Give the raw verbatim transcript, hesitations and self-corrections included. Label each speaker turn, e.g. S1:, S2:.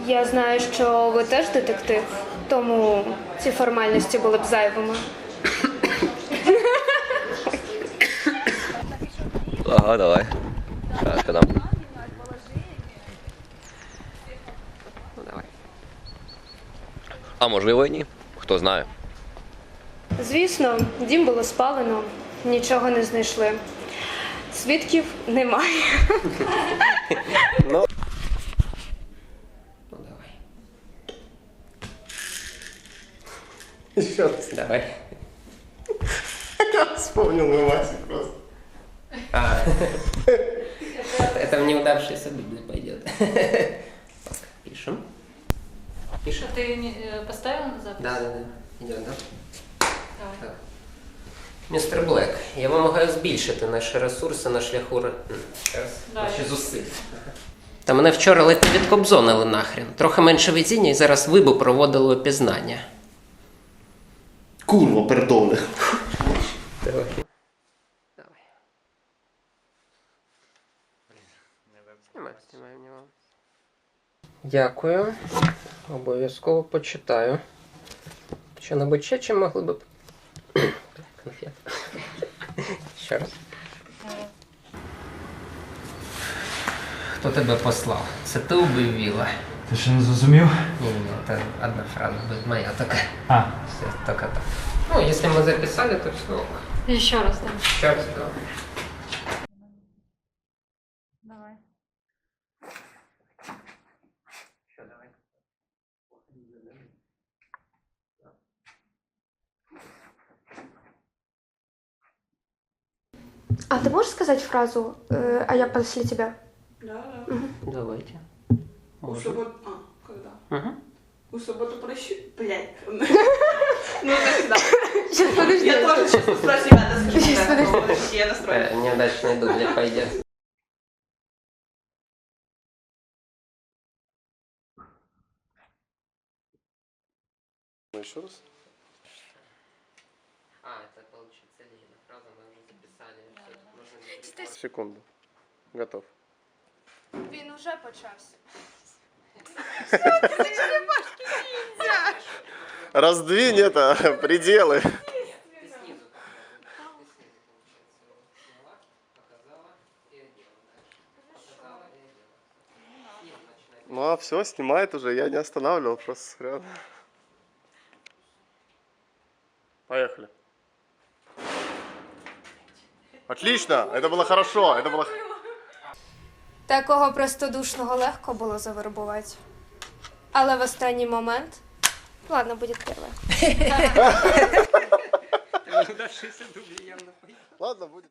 S1: Я знаю, що ви теж детектив, тому ці формальності були б зайвими.
S2: Ага, давай. Сейчас, когда... Ну, давай. А можливо і ні. Хто знає.
S1: Звісно, дім було спалено, нічого не знайшли. Свідків немає.
S2: Ну,
S3: Ну давай.
S4: Еще раз.
S3: Давай.
S4: Я вспомнил мой Масик просто.
S3: А, это в неудавшийся дубль пойдет. Пишем. Пишем.
S5: А ты не, э, поставил на запись?
S3: Да, да, да. Идем, да?
S5: Давай.
S3: Так. Містер Блек, я вимагаю збільшити наші ресурси на шляху ре- м, ще раз,
S5: Давай.
S3: наші зусилля. Та мене вчора ледь не відкобзонили нахрен. Трохи менше везіння і зараз ви би проводили опізнання.
S4: Курва, пердоне.
S3: Давай. Давай. Знімай, знімай, знімай. Дякую. Обов'язково почитаю. Що-небудь ще чим могли б... Конфет. Ще раз. Хто тебе послав? Це ти убив Віла?
S6: Ти ще не зрозумів?
S3: Ні, ні, це одна фраза буде моя така.
S6: А,
S3: Все, только так. Ну, если мы записали, то все. ок.
S5: Еще раз, да.
S3: Еще раз, да.
S5: Давай.
S3: Еще давай.
S1: А ти можеш сказати фразу э, «А я після тебе»?
S7: Да, да.
S3: Давайте.
S7: У
S3: Можем.
S7: субботу... А, когда?
S3: Угу.
S7: У субботу прощу... Блядь. Ну, тогда.
S1: Сейчас, подожди.
S7: Я тоже сейчас спрошу, ребята, скажу.
S1: Сейчас,
S7: да,
S1: подожди.
S7: подожди, я настроюсь.
S3: Э, неудачный дубль пойдет.
S4: Еще раз?
S3: А, это получится Лена. Фраза мы уже записали. Все, тут можно не
S4: Секунду. Готов.
S1: Він уже почався.
S4: Раздвинь это, пределы.
S3: Ты снизу попробуй. Ты снизу, получается, его сняла, показала и одела дальше. Показала и одела. Снизу начинай.
S4: Ну а все, снимает уже, я не останавливал, просто смотрел. Поехали. Отлично, это было хорошо, это было...
S1: Такого простодушного легко було завербувати. Але в останній момент... Ладно, буде перше.
S3: Неудавшийся дубль явно пойдет.
S4: Ладно, будет.